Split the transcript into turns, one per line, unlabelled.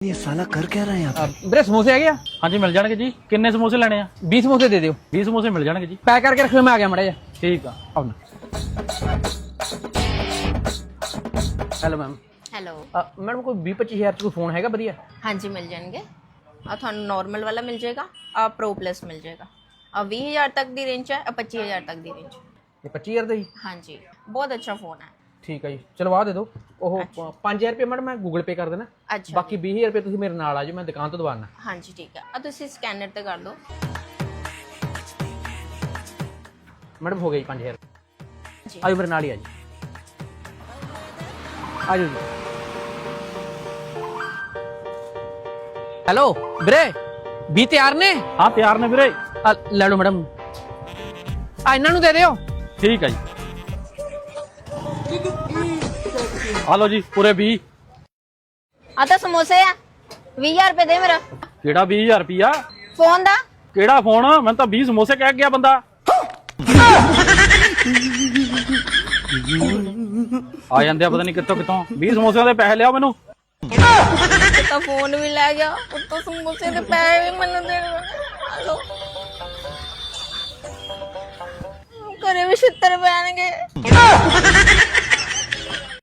ये साला कर क्या रहा है यहाँ पे?
ਵੀਰੇ ਸਮੋਸੇ ਹੈਗੇ ਆ?
ਹਾਂਜੀ ਮਿਲ ਜਾਣਗੇ ਜੀ। ਕਿੰਨੇ ਸਮੋਸੇ ਲੈਣੇ ਆ?
20 ਸਮੋਸੇ ਦੇ ਦਿਓ।
20 ਸਮੋਸੇ ਮਿਲ ਜਾਣਗੇ ਜੀ।
ਪੈਕ ਕਰਕੇ ਰੱਖਿਓ, ਮੈਂ ਆ ਗਿਆ ਮੜਾ ਜਾ।
ਠੀਕ ਆ।
ਆਉਣਾ। Hello ma'am.
ਹੈਲੋ।
ਮੈਡਮ ਕੋਈ 20-25 ਹਜ਼ਾਰ ਚ ਕੋਈ ਫੋਨ ਹੈਗਾ ਵਧੀਆ?
ਹਾਂਜੀ ਮਿਲ ਜਾਣਗੇ। ਆ ਤੁਹਾਨੂੰ ਨਾਰਮਲ ਵਾਲਾ ਮਿਲ ਜਾਏਗਾ, ਆ ਪ੍ਰੋ ਪਲੱਸ ਮਿਲ ਜਾਏਗਾ। ਆ 20000 ਤੱਕ ਦੀ ਰੇਂਜ ਹੈ, ਆ 25000 ਤੱਕ ਦੀ ਰੇਂਜ।
ਇਹ 25000 ਦਾ ਜੀ?
ਹਾਂਜੀ ਬਹੁਤ ਅੱਛਾ ਫੋਨ ਹੈ।
ਠੀਕ ਹੈ ਜੀ, ਚਲੋ ਆ ਦੇ ਦਿਓ। ਉਹ 5000 ਰੁਪਏ ਮੈਡਮ ਮੈਂ ਗੂਗਲ ਪੇ ਕਰ ਦੇਣਾ।
ਅੱਛਾ
ਬਾਕੀ 20000 ਰੁਪਏ ਤੁਸੀਂ ਮੇਰੇ ਨਾਲ ਆ ਜਾਓ, ਮੈਂ ਦੁਕਾਨ ਤੋਂ ਦਵਾਨਾ।
ਹਾਂਜੀ ਠੀਕ ਹੈ। ਆ ਤੁਸੀਂ ਸਕੈਨਰ ਤੇ ਕਰ ਦਿਓ।
ਮੈਡਮ ਹੋ ਗਿਆ ਜੀ 5000।
ਜੀ
ਆਜੋ ਮੇਰੇ ਨਾਲ ਹੀ ਆ ਜੀ। ਆਜੋ ਜੀ। ਹੈਲੋ ਵੀਰੇ, 20 ਤਿਆਰ ਨੇ?
ਹਾਂ ਤਿਆਰ ਨੇ ਵੀਰੇ।
ਲੈ ਲਓ ਮੈਡਮ, ਆ ਇਹਨਾਂ ਨੂੰ ਦੇ ਦਿਓ।
ਠੀਕ ਆ ਜੀ। ਆ ਲਓ ਜੀ ਪੂਰੇ 20।
ਆ ਤਾਂ ਸਮੋਸੇ ਆ। 20000 ਰੁਪਏ ਦੇ ਮੇਰਾ
ਕਿਹੜਾ 20000 ਰੁਪਿਆ?
ਫੋਨ ਦਾ।
ਕਿਹੜਾ ਫੋਨ? ਮੈਨੂੰ ਤਾਂ 20 ਸਮੋਸੇ ਕਹਿ ਗਿਆ ਬੰਦਾ। ਆ ਜਾਂਦੇ ਆ ਪਤਾ ਨਹੀਂ ਕਿੱਥੋਂ ਕਿੱਥੋਂ। 20 ਸਮੋਸਿਆਂ ਦੇ ਪੈਸੇ ਲਿਆਓ ਮੈਨੂੰ।
ਤਾਂ ਫੋਨ ਵੀ ਲੈ ਗਿਆ, ਉੱਤੋਂ ਸਮੋਸੇ ਦੇ ਪੈਸੇ ਵੀ ਮੈਨੂੰ ਦੇ ਦਿਓ। ਘਰੇ ਵੀ ਛਿੱਤਰ ਪੈਣਗੇ।